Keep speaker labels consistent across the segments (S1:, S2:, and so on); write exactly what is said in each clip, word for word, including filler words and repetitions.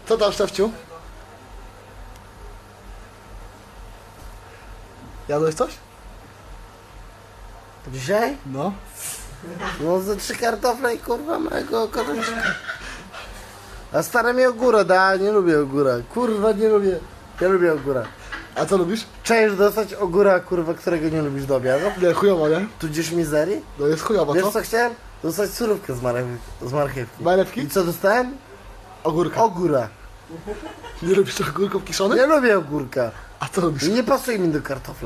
S1: Co tam, Szczewciu? Jadłeś coś?
S2: Dzisiaj?
S1: No.
S2: No ze trzy kartofle i kurwa mojego kotoczka. A stara mi ogórę da, nie lubię ogóra. Kurwa nie lubię. Ja lubię ogóra.
S1: A co lubisz?
S2: Część dostać ogóra, kurwa, którego nie lubisz do obiadu?
S1: Nie, chujowo, nie?
S2: Tudzież mizerii?
S1: No jest chujowo,
S2: Wiesz
S1: co?
S2: co chciałem? Dostać surówkę z, marchew z marchewki.
S1: Marchewki?
S2: I co dostałem?
S1: Ogórka.
S2: Ogóra.
S1: Nie lubisz ogórków kiszonych?
S2: Nie lubię ogórka.
S1: A co lubisz?
S2: Nie pasuje mi do kartofla.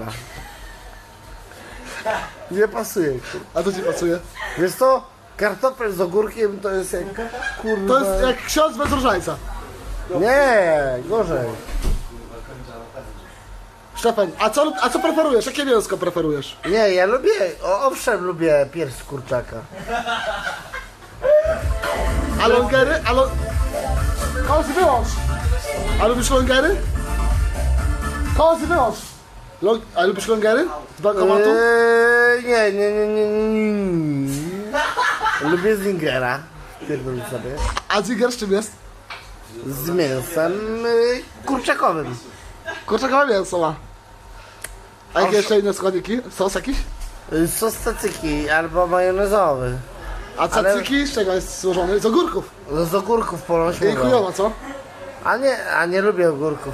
S2: Nie pasuje. kurwa.
S1: A co ci pasuje?
S2: Wiesz co? Kartofel z ogórkiem to jest jak kurwa...
S1: To jest jak ksiądz bez różańca.
S2: Nie, gorzej.
S1: Szczepan, a co, a co preferujesz? Jakie mięsko preferujesz?
S2: Nie, ja lubię, o, owszem lubię pierś z kurczaka.
S1: A longery? A lo... Kozy, wyłącz! A lubisz longery? Kozy, wyłącz! Long... A lubisz longery? Z bankomatu?
S2: Eee, nie, nie, nie, nie, nie, nie. Lubię zingera. Pierdolę sobie.
S1: A ziger z czym jest?
S2: Z mięsem yy, kurczakowym.
S1: Kurczakowe mięso ma. A jakie jeszcze inne składniki? Sos jakiś?
S2: Yy, Sos cacyki albo majonezowy.
S1: A cacyki z czego jest złożony? Z ogórków.
S2: No z ogórków ponoć
S1: I
S2: mówią.
S1: chujowo, co?
S2: A nie, a nie lubię ogórków.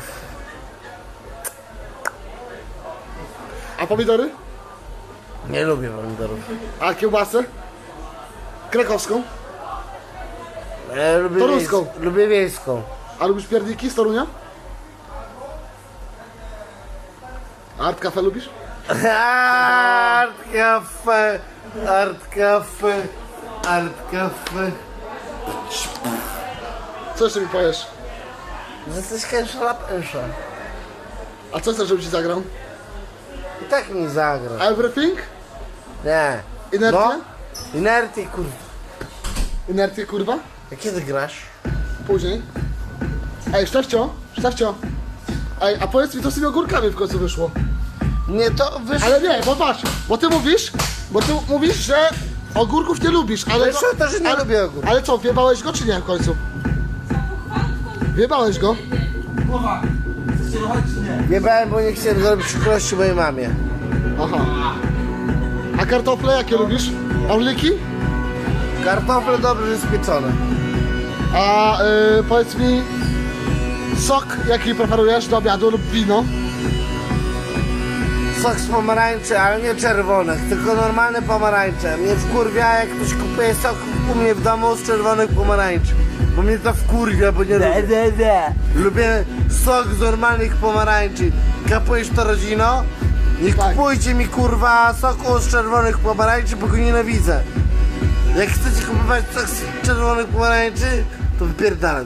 S1: A pomidory?
S2: Nie lubię pomidorów.
S1: A kiełbasę? Krakowską?
S2: E, lubię
S1: Toruską.
S2: wiejską. Lubię wiejską.
S1: A lubisz pierniki z Torunia? A Art Cafe lubisz?
S2: Art Cafe, Art Cafe, Art Cafe.
S1: Co jeszcze mi powiesz?
S2: Że jesteś kęsza la pęsza.
S1: A co chcesz, żebym ci zagrał?
S2: I tak mi zagra.
S1: Everything?
S2: Nie.
S1: Inertia?
S2: No? Inerty, kurwa.
S1: Inercję, kurwa?
S2: A kiedy grasz?
S1: Później. Ej, Szczewcio, Szczewcio. Ej, a powiedz mi, co z tymi ogórkami w końcu wyszło?
S2: Nie, to wyszło.
S1: Ale nie, bo patrz, bo ty mówisz, bo ty mówisz, że ogórków nie lubisz, ale...
S2: Wyszło to, że nie
S1: ale,
S2: lubię ogórków.
S1: Ale co, wjebałeś go czy nie w końcu? Wjebałeś go?
S3: Głowa! Chcecie ruchać czy nie?
S2: Jebałem, bo nie chciałem zrobić przykrości mojej mamie.
S1: Aha. A kartofle jakie lubisz? Orliki?
S2: Kartofle dobrze spieczone.
S1: A y, powiedz mi, sok jaki preferujesz do obiadu lub wino?
S2: Sok z pomarańczy, ale nie czerwonych, tylko normalne pomarańcze. Mnie wkurwia, jak ktoś kupuje sok u mnie w domu z czerwonych pomarańczy. Bo mnie to wkurwia, bo nie lubię.
S3: de, de.
S2: Lubię sok z normalnych pomarańczy. Kapujesz to, rodzino? Nie
S1: Tak.
S2: kupujcie mi kurwa soku z czerwonych pomarańczy, bo go nienawidzę. Jak chcecie kupować sok z czerwonych pomarańczy, to wypierdalać.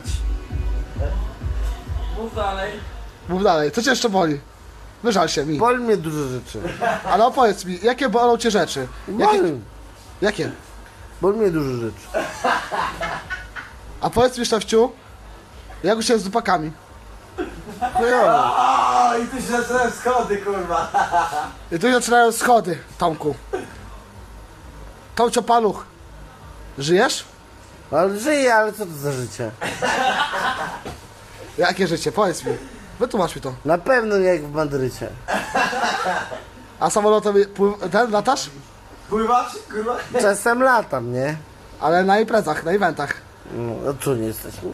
S3: Mów dalej.
S1: Mów dalej, co cię jeszcze boli? Wyżal się mi.
S2: Boli mnie dużo rzeczy.
S1: Ale opowiedz mi, jakie bolą cię rzeczy? Jakie?
S2: Boli,
S1: Jakie?
S2: boli mnie dużo rzeczy.
S1: A powiedz mi, Szczewciu, jak już jest z dupakami?
S2: Chujowo.
S3: O, i tu się zaczynają schody, kurwa.
S1: I tu zaczynają schody, Tomku. Tomcio Paluch, żyjesz?
S2: Ale żyję, ale co to za życie?
S1: Jakie życie? Powiedz mi. Wytłumacz mi to.
S2: Na pewno nie jak w Madrycie.
S1: A samolotem pływ- ten latasz?
S3: Pływasz, kurwa?
S2: Czasem latam, nie?
S1: Ale na imprezach, na eventach.
S2: No, a tu nie jesteśmy.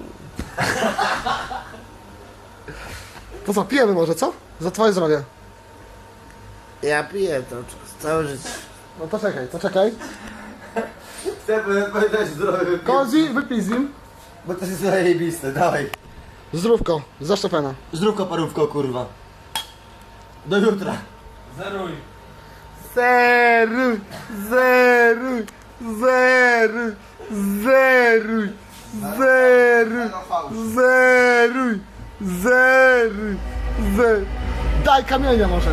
S1: To co, pijemy może, co? Za twoje zdrowie.
S2: Ja piję to całe życie.
S1: No to czekaj, to czekaj.
S3: Chcę powiedzieć zdrowy.
S1: Kozi, wypij z nim.
S3: Bo to jest zajebiste, dawaj.
S1: Zdrówko, za Szczepana.
S3: Zdrówko, parówko, kurwa. Do jutra.
S2: Zeruj, zeruj, zeruj, zeruj, zeruj, zeruj, zeruj, zeruj.
S1: Daj kamienia może.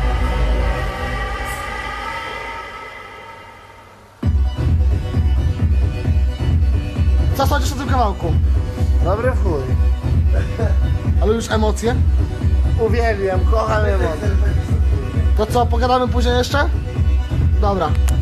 S1: Co sądzisz o tym kawałku?
S2: Dobry w chuj.
S1: Ale już emocje?
S2: Uwielbiam, kocham emocje.
S1: To co, pogadamy później jeszcze? Dobra.